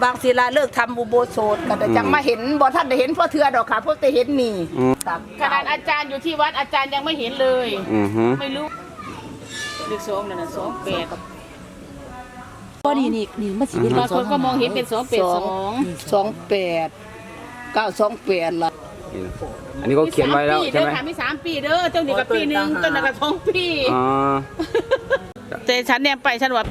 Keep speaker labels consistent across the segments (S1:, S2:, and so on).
S1: บางศิลาเลิกทำอุโบสถก็แต่จังมาเห็นบ่ท่านได้เห็นพ่อเทือดอกค่ะเพราะแต่เห็นนี่
S2: ขนาดอาจารย์อยู่ที่วัดอาจารย์ยังไม่เห็นเลยไม่รู้เลข2นั่นน่ะ28
S3: ก็นี่มันสิเป็น
S2: บางคนก็มองเห็นเป็น
S1: 282 928ล่ะ
S4: อันนี้เขาเขียนไว้แล้วใช่ไหม
S2: มี3ปีเด้อเจ้านี่กับปีนึงต้นนั้นก็2ปีแต่ฉันเนี่ยไปฉันว่า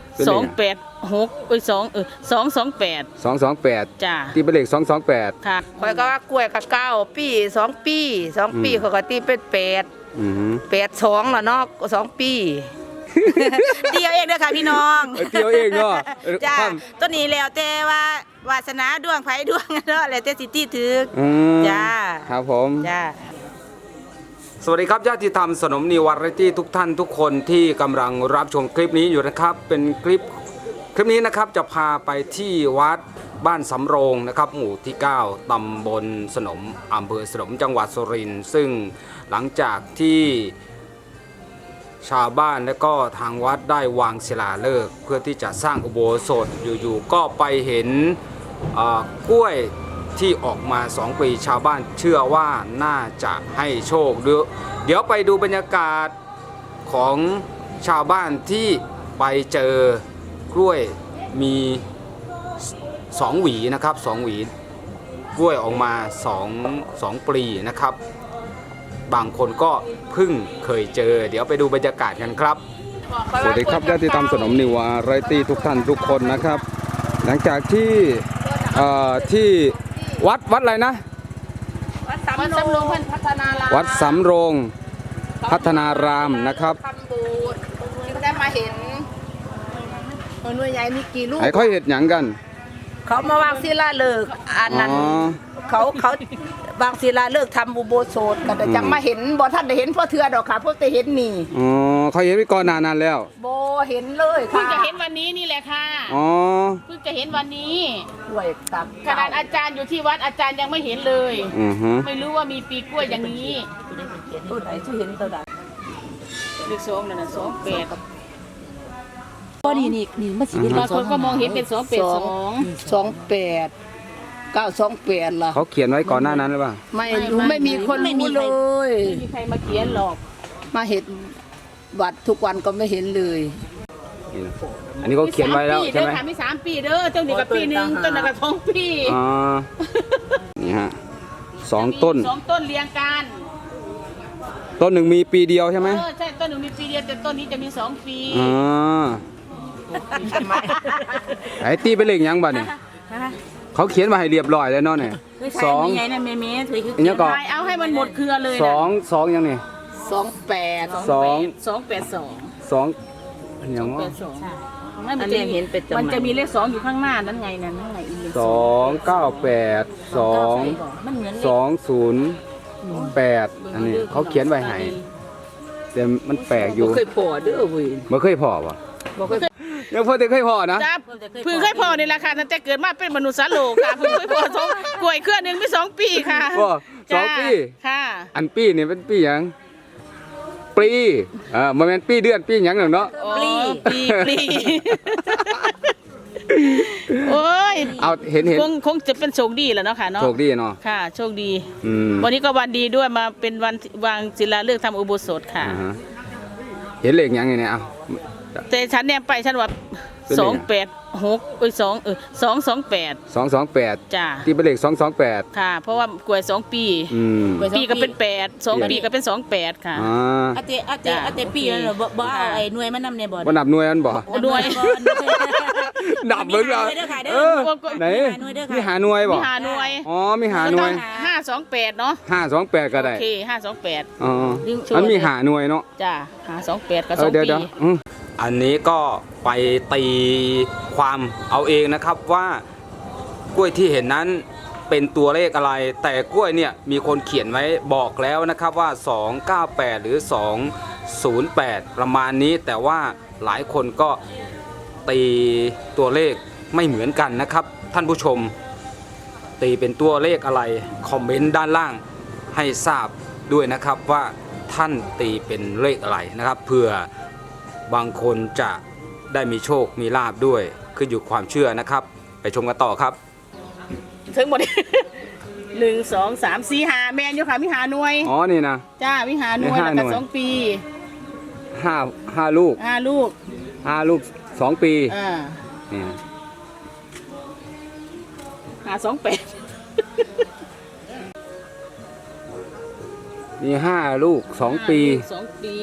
S2: 286228จ้า
S4: ตีเป็นเลข228
S2: ค่ะ
S1: ข่อยก็ว่ากล้วยกับ9ปี2ปีเขาก็ตีเป็น82ล่ะเนาะ2ปีเดียวเองเด้อค่ะพี่น้อง
S4: เดียวเองเนาะ
S1: จ้าต้นนี้แล้วแต่ว่าวาสนาดวงไผดวงเนาะแล้วแต่สิติถึกจ้า
S4: ครับผม
S1: จ้า
S4: สวัสดีครับญาติธรรมสนมนิววาไรตี้ทุกท่านทุกคนที่กำลังรับชมคลิปนี้อยู่นะครับเป็นคลิปนี้นะครับจะพาไปที่วัดบ้านสำโรงนะครับหมู่ที่9ตำบลสนมอำเภอสนมจังหวัดสุรินทร์ซึ่งหลังจากที่ชาวบ้านและก็ทางวัดได้วางศิลาฤกษ์เพื่อที่จะสร้างอุโบสถอยู่ๆก็ไปเห็นกล้วยที่ออกมา2ปีชาวบ้านเชื่อว่าน่าจะให้โชคเดี๋ยวไปดูบรรยากาศของชาวบ้านที่ไปเจอกล้วยมี2หวีนะครับ2หวีกล้วยออกมา2ปลีนะครับบางคนก็เพิ่งเคยเจอเดี๋ยวไปดูบรรยากาศกันครับสวัสดีครับญาติธรรมสนมนิววาไรตี้ทุกท่านทุกคนนะครับหลังจากที่วัดอะไรนะ
S2: วัดสำโรงพัฒนาราม
S4: วัดสำโรงพัฒนารามนะครับ
S1: ทำบูชที่ได้มาเห็นหน่วยใหญ่มีกี่ลูก
S4: ไอ้ค่อยเห็ดหยังกัน
S1: เขามาวางศิลาฤกษ์อันนั้นเขาบางศิลาฤกษ์ทำอุโบสถก็แต่จังมาเห็นบ่ท่านได้เห็นพ่อเทือดอกค่ะเพราะแต่เห็นนี่
S4: เขาเห็นไว้ก่อนนานแล้ว
S1: บ่เห็นเลยค่ะ
S2: เพิ่งจะเห็นวันนี้นี่แหละค่ะเพิ่งจะเห็นวันนี้
S1: กล้วยกับ
S2: ขนาดอาจารย์อยู่ที่วัดอาจารย์ยังไม่เห็นเลยไม่รู้ว่ามีปีกล้วยอย่างนี้
S1: ต้นไหนที่เห็นต้นไหน
S2: เลข2นั่นน่ะ28
S3: ก็นี่มันสิเป็น
S2: บางคนก็มองเห็นเป็น282
S1: 928ล่ะ
S4: เขาเขียนไว้ก่อนหน้านั้นหรือเปล่า
S1: ไม่รู้ไม่มีคนรู้เลย
S2: ไม่มีใครมาเขียนหรอก
S1: มาเห็นวัดทุกวันก็ไม่เห็นเลย
S4: อันนี้เขาเขียนไว้แล้วใช่ไหม
S2: มี3ปีเด้อเจ้านี่กับปีนึงต้นนั้นก็2ปี
S4: นี่ฮะ2ต้น
S2: เรียงกัน
S4: ต้นหนึ่งมีปีเดียวใช่ไหม
S2: ใช่ต้นหนึ่งมีปีเดียวแต่ต้นนี้จะมี2ปี
S4: ไอ้ตีเป็นเลขยังบ้านี่เขาเขียนมาให้เรียบร้อยแล้วเนาะเนี่ย
S2: 2ยังไงนะเมย์ถือคือเอาให้มันหมดเครือเลย
S4: 2ยังนี่
S1: 28
S4: ยัง
S2: ว่ามันจะเห็นเป็นมันจะมีเลข2อยู่ข้างหน้านั่นไงนั่นไงอีก
S4: 298 อันนี้เขาเขียนไว้ให้แต่มันแปลกอยู่
S1: เคยพอเด้อเว้ย
S4: บ่เคยพอป่ะยังพอแต่เคยพอนะ
S2: เพิ่งเคยพอในราคาตั้งแต่เกิดมาเป็นมนุษย์สโลค่ะเพิ่งเคยพอกล้วยเครือนึงมี2ปีค่ะ
S4: 2ปี
S2: ค่ะ
S4: อันปีนี่เป็นปีหยังปีมันเป็นปีเดือนปีหยังเนาะ
S2: ปีโอ้ย
S4: เอาเห็น
S2: คงจะเป็นโชคดีแหละเนาะค่ะเนาะ
S4: โชคดีเนาะ
S2: ค่ะโชคดีวันนี้ก็วันดีด้วยมาเป็นวันวางศิลาฤกษ์ทำอุโบสถค่ะ
S4: เห็นเลขยังไงเนี่ยเอา
S2: แต่ฉันเนี่ยไปฉันว่า228จ้า
S4: ที่เป็นเลข228
S2: ค่ะเพราะว่ากล้วย2ปีปีก็เป็น8 2ปีก็เป็น28ค่ะ
S3: อาเตปีนั่นเหรอบ่เอาไอ้หน่วยมันนำในบ่
S4: นับหน่วยมันบ่
S2: หน่วย
S4: นับเบิ่งเอาไหนมีหาหน่วยบ่
S2: มีหาหน่วย
S4: มีหาหน่วย
S2: 528เนาะ
S4: 528ก็ได้
S2: โอเค528
S4: มันมีหาหน่วยเนาะ
S2: จ้า528กับ2ปี
S4: อันนี้ก็ไปตีความเอาเองนะครับว่ากล้วยที่เห็นนั้นเป็นตัวเลขอะไรแต่กล้วยเนี่ยมีคนเขียนไว้บอกแล้วนะครับว่า298หรือ208ประมาณนี้แต่ว่าหลายคนก็ตีตัวเลขไม่เหมือนกันนะครับท่านผู้ชมตีเป็นตัวเลขอะไรคอมเมนต์ด้านล่างให้ทราบด้วยนะครับว่าท่านตีเป็นเลขอะไรนะครับเผื่อบางคนจะได้มีโชคมีลาภด้วยขึ้นอยู่ความเชื่อนะครับไปชมกันต่อครับ
S2: ถึงหมด 1 2 3 4 5แมนอยู่ค่ะมีหาหน่วย
S4: อ๋อนี่นะ
S2: จ้ามีหาหน่วย
S4: มีห้า
S2: แล้ว
S4: หน่
S2: ก็
S4: วย
S2: 2 ปี
S4: ห้าลูก
S2: 5 ลูก
S4: 5 ลูก 2 ปี นี่นะ
S2: หา2 8
S4: มี5 ลูก 2 ปี
S2: 2 ปี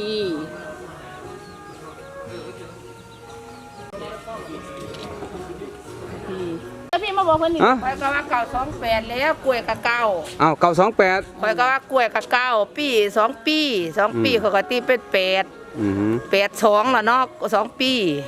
S2: แล้วพี่มาบอกเพิ่นนี่
S4: ฮะ
S1: ข่อยก็ว่าเก่า28แล้วกล้วยกับเก่า
S4: อ้าวเก่า28
S1: ข่อยก็ว่ากล้วยกับเก่าปี2 ปี2 ปีเขาก็ตีเป็น8
S4: อือฮึ
S1: 82แล้วเนาะ2 ปี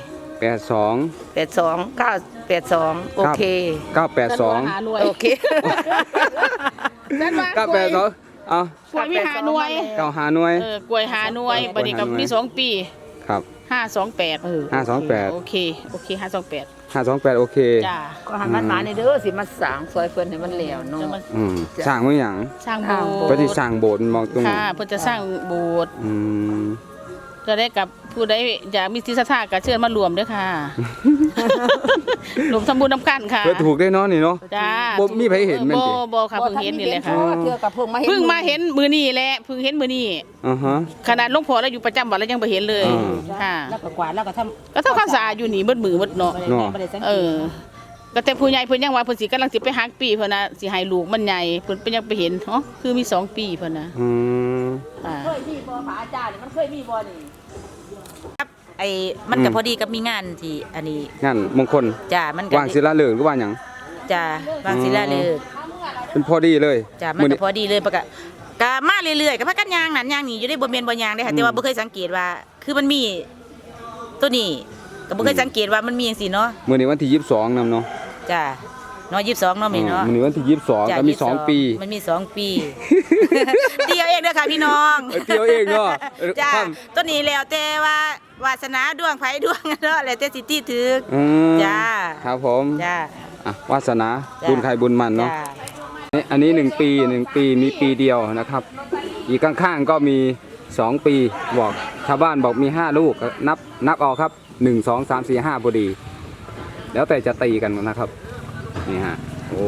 S4: 82
S1: 82 982โอเค
S4: 982
S2: หาหน่วย
S1: โอเค
S2: นั่นว่ากล้วย
S4: 982เอา
S2: กล้วยมีหาหน่วย
S4: 9 5 หน่วย
S2: กล้วยหาหน่วยบัดนี้ก็มี2 ปี
S4: ครับ
S2: 528
S4: 528
S2: โอเค528
S4: 528 โอเค
S2: จ้า
S1: ก็หันมันมาในเด้อสิมาสร้างซอยเพิ่นให้มันแล้วเนาะ
S2: จะมา
S4: สร้างไว้หยัง
S2: สร้างโบส
S4: ปฏิ
S2: ถ์
S4: สร้างโบสถ์มองตรง
S2: ค่ะเพื่อจะสร้างโบสถ์
S4: อืม
S2: จะได้กับผู้ใดอยากมีจิตศรัทธาก็เชิญมารวมด้วย ค่ะรวมทำบุญนำกันค่ะ
S4: เพื่อถูกได้เนาะนี่เนาะ
S2: จ้า
S4: บ่มีใครเห็นแม่นติ
S2: บ่ค่ะเพิ่งเห็นนี่เลยค่ะ
S1: เทื่อกับเพิ่งมาเห็น
S2: เพิ่งมาเห็นมือนี่แหละเพิ่งเห็นมือนี่
S4: อ่าฮะ
S2: ขนาดหลวงพ่อเราอยู่ประจำวัดแล้วยังไม่เห็นเลย
S4: อืม
S2: ค่ะ
S3: แล้วก็กวาดแล้วก็ทำ
S2: ก็เท่าความสะอาดอยู่นี่มืดมือมืดเนาะ
S4: เนาะ
S3: บ่ได้สัง
S2: เอ
S3: เกต
S2: อ ก็แต่ผู้ใหญ่เพิ่นยังว่าเพิ่นสิกำลังสิไปฮักปีเพิ่นน่ะสิให้ลูกมันใหญ่เพิ่นยังไปเห็นอ๋อคือมี2 ปีเพิ่นน่ะ
S4: อืม
S2: อ่า
S1: เคยมีบ่พระอาจารย์นี่มันเคยมีบ่นี่
S3: ไอ้มันก็พอดีกับมีงานที่อันนี้
S4: งานมงคล
S3: จ้ามันก็
S4: วางศิลาฤกษ์หรือว่าหยัง
S3: จ้าบางศิลาฤกษ์
S4: เป็นพอดีเลย
S3: จ้ามันก็พอดีเลยปะกะก็มาเรื่อยๆก็พักกันยางนั่นยางนี่อยู่ได้บ่แม่นบ่ยางได้ค่ะแต่ว่าบ่เคยสังเกตว่าคือมันมีตัวนี้ก็บ่เคยสังเกตว่ามันมีจังซี่เนาะ
S4: มื้อนี้วันที่22นำเนาะ
S3: จ้าเนาะ22เนาะแม่เนาะ
S4: มื้อนี้วันที่22
S3: จ้ะ
S4: ก็มี 2 ปี
S3: มันมี2 ปีเดียวเองเด้อค่ะพี่น้อง
S4: เที่ยวเองเนาะ
S3: จ้า
S4: ครับ
S3: ตัวนี้แล้วแต่ว่าวาสนาดวงไผดวงเนาะแล้วแต่สิที่ถึก
S4: อืม
S3: จ้า
S4: ครับผม
S3: จ้า
S4: อ่ะวาสนา
S3: จ้ะ
S4: บุญใครบุญมันเนาะ
S3: จ้า
S4: อันนี้1 ปี1 ปีมีปีเดียวนะครับ อีกข้างๆก็มี 2 ปีบอกชาวบ้านบอกมี 5 ลูกก็นับออกครับ 1 2 3 4 5พอดี แล้วแต่จะตีกันนะครับนี่ฮะโอ้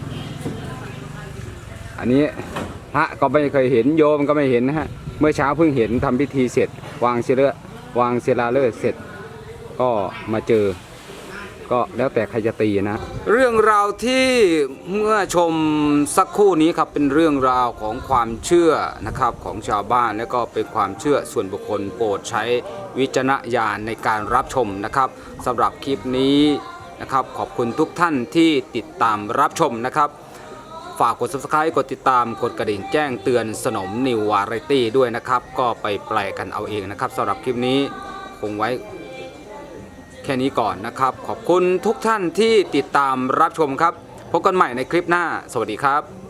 S4: อันนี้พระก็ไม่เคยเห็นโยมก็ไม่เห็นนะฮะเมื่อเช้าเพิ่งเห็นทำพิธีเสร็จ วางศิลาฤกษ์เสร็จก็มาเจอ ก็แล้วแต่ใครจะตีนะ เรื่องราวที่เมื่อชมสักครู่นี้ครับเป็นเรื่องราวของความเชื่อนะครับของชาวบ้านและก็เป็นความเชื่อส่วนบุคคลโปรดใช้วิจารณญาณในการรับชมนะครับสำหรับคลิปนี้นะครับขอบคุณทุกท่านที่ติดตามรับชมนะครับฝากกด subscribe กดติดตามกดกระดิ่งแจ้งเตือนสนมนิววาไรตี้ด้วยนะครับก็ไปแปลกันเอาเองนะครับสำหรับคลิปนี้คงไว้แค่นี้ก่อนนะครับขอบคุณทุกท่านที่ติดตามรับชมครับพบกันใหม่ในคลิปหน้าสวัสดีครับ